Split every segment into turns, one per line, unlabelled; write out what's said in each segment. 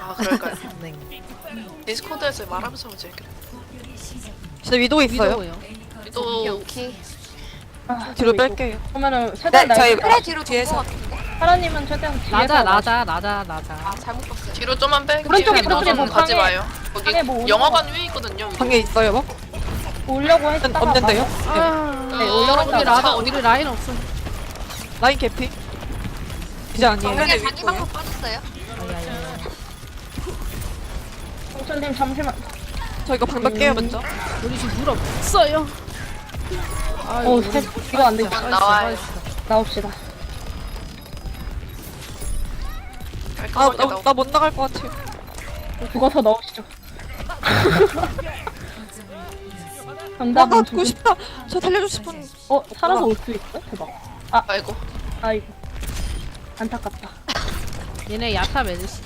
아 그럴까요?
네.
디스코드에서 말하면서 하면 재밌겠다.
진짜 위도 있어요.
위도우요.
또
오케이.
아,
뒤로
이거.
뺄게요.
그러면은 최대한
네, 저희
날
그래 뒤로 뒤에서 같은데.
하나님은 최대한 뒤에서
라자.
잘못 봤어요.
뒤로 좀만 뺄게요.
오른쪽에 오른쪽에 뭐
가지
방에
마요. 거기
방에 뭐 오는
영화관 위에 있거든요.
방에 있어요, 뭐?
오려고 했다가
없는데요?
네, 올라갔다
우리
왔다.
라자 우리 라인 없어.
라인 개피? 이제 아니에요.
정면에 자기 방으로 빠졌어요.
아야야.
홍천님 잠시만.
저 이거 방벽 깨요, 먼저.
우리 지금 물 없어요.
오, 이거 안 되죠.
나와요.
나옵시다.
나 못 나갈 것 같아요.
죽어서 넣으시죠.
나
정답은
죽고 싶다. 저 살려주고 싶은.
살아서 올 수 있어? 대박.
아이고.
아이고. 안타깝다.
얘네 야타 메르시.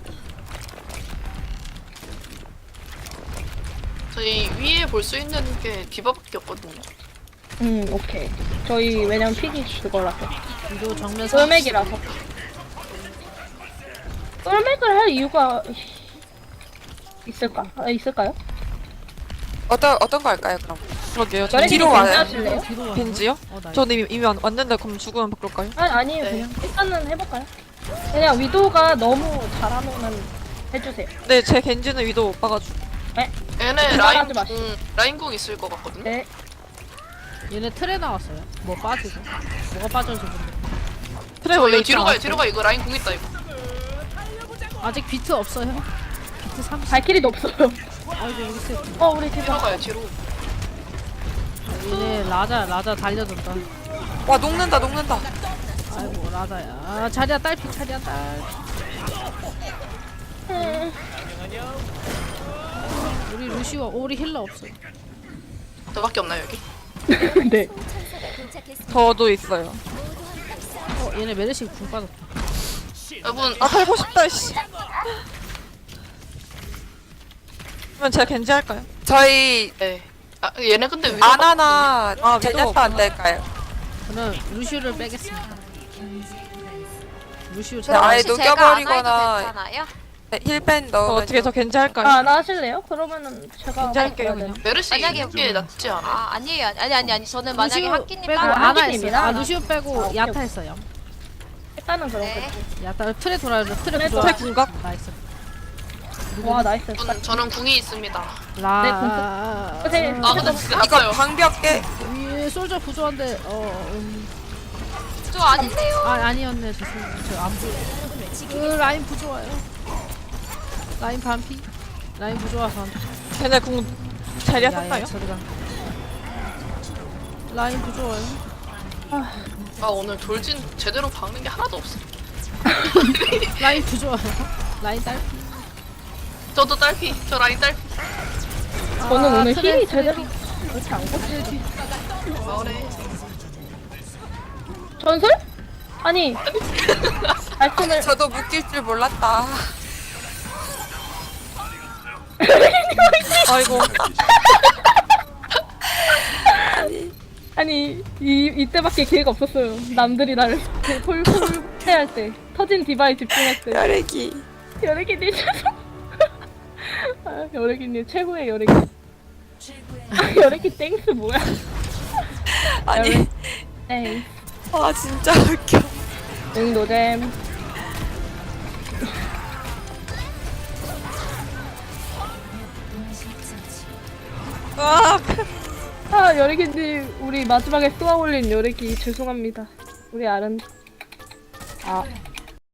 저희 위에 볼 수 있는 게 디바밖에 없거든요.
오케이. 저희 왜냐면 픽이 그거라서.
위도 정면
쫄맥이라서. 쫄맥을 할 이유가 있을까요?
어떤 거 할까요 그럼?
그러게요.
연예인
뒤로 와요.
괜찮으실래요?
뒤로 와.
벤지요?
나
저는 이미 왔는데 그럼 죽으면 바꿀까요?
아니에요.
네.
그냥 일단은 해볼까요? 그냥 위도가 너무 잘하면 해주세요.
네, 제 겐지는 위도 못 봐가지고.
얘네
생각하지 마시죠.
라인궁 있을 것 같거든요.
네.
얘네 틀에 나왔어요. 뭐 빠지고. 뭐가 빠졌는지 모르겠어.
트레 원래
이거 뒤로 가요.
있잖아.
뒤로 가. 이거 라인궁 있다 이거.
아직 비트 없어요. 비트 30.
발키리도 없어요.
아이고 우리 셋.
우리
뒤로
대박.
가요. 뒤로.
얘네 라자 달려준다.
와 녹는다.
아이고 라자야. 아, 자리야 딸피. 우리 루시와 우리 힐러 없어.
저밖에 없나요 여기?
네.
저도 있어요.
얘네 메르시 궁 빠졌다.
여러분
살고 싶다, 씨. 그러면 제가 겐지 할까요?
저희
네. 얘네 근데 위로
아나나
위도
제냐타 안 될까요?
저는 루시오를 빼겠습니다. 루시오
네, 아예
잘.
녹- 녹여버리거나 괜찮아요? 네, 힐밴
저
넣으면
어떻게 저 겐지 할까요?
나 하실래요? 그러면은 제가
겐지 할게요, 그냥.
메르시
만약에
이게 낫지 않아?
아 아니에요. 아니 저는 만약에
루시오
학기님
빼고
따로
아,
아나
학기님이랑?
했어요. 루시오 빼고
오케이,
야타
오케이.
했어요.
일단은 그런
네.
거지.
야타 틀에 돌아요. 틀에
틀에
부좋아.
트레 궁각?
나이스.
와 나이스.
저는 궁이 있습니다.
라.
선생님.
아 근데 진짜
이거
났어요.
방벽 깨
위에 솔저 부조한데
저 아닌데요.
아니었네. 죄송해요. 저안 보여. 라인 부조와요. 라인 반피. 라인 부조와서.
걔네 궁 자리야 샀나요?
저리가. 라인 부조와요.
아 오늘 돌진 제대로 박는 게 하나도 없어.
라인 부조와요. 라인 딸피.
저도 딸피. 저 라인 딸피.
저는 오늘
트레,
힐이
트레.
제대로 그렇지 않고
마을에
전설? 아니 말씀을
저도 묶일 줄 몰랐다.
아이고.
아니 이때밖에 기회가 없었어요. 남들이 나를 폴폴 해할 때 터진 디바에 집중할 때
혈액이
여래기님 죄송. 여래기님 최고의 여래기. 여래기 땡스 뭐야?
아니
땡.
아 진짜 웃겨.
응 노잼. 여래기님 우리 마지막에 쏘아 올린 여래기 죄송합니다. 우리 아른.